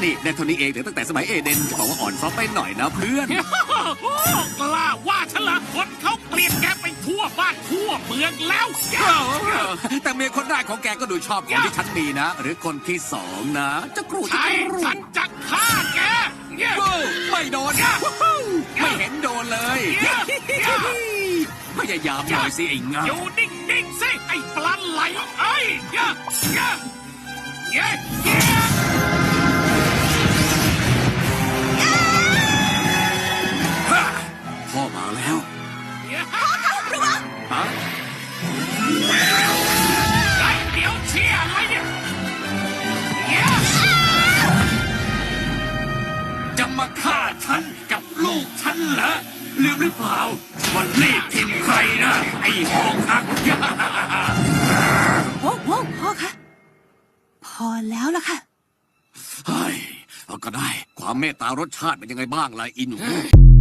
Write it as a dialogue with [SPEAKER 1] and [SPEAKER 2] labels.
[SPEAKER 1] นี่ได้เท่านี้เองแต่ตั้งแต่สมัยเอเดนจะบอกว่าอ่อนซ้อมไปหน่อยนะเพื่อน
[SPEAKER 2] กล้าว่าฉันเหรอคนเขาเกลียดแกไปทั่วบ้านทั่วเมืองแล้ว
[SPEAKER 1] แต่เมียคนแรกของแกก็ดูชอบคนที่ฉันมีนะ หรือคนที่สองนะจะกรูดจะ
[SPEAKER 2] ใช่
[SPEAKER 1] กรู
[SPEAKER 2] ฉั
[SPEAKER 1] ด
[SPEAKER 2] นจะฆ่าแกเนี่ย
[SPEAKER 1] ไม่โดนไม่เห็นโดนเลยพยายามหน่อยสิไอ้งา
[SPEAKER 2] อยู่นิ่งๆสิไอ้ปลาไหลเอ้ย
[SPEAKER 1] พ่อมาแล้วฮะ
[SPEAKER 2] เดี๋ยวเชียร์อะไรเนี่ย
[SPEAKER 1] จะมาฆ่าฉันกับลูกฉันเหรอลืมหรือเปล่าวันนี้ทิมใครนะไอ้หอกหัก
[SPEAKER 3] โว้วพ่อคะพอแล้วล่ะค่ะ
[SPEAKER 1] เฮ้ยเอาก็ได้ความเมตตารสชาติเป็นยังไงบ้างล่ะอินหู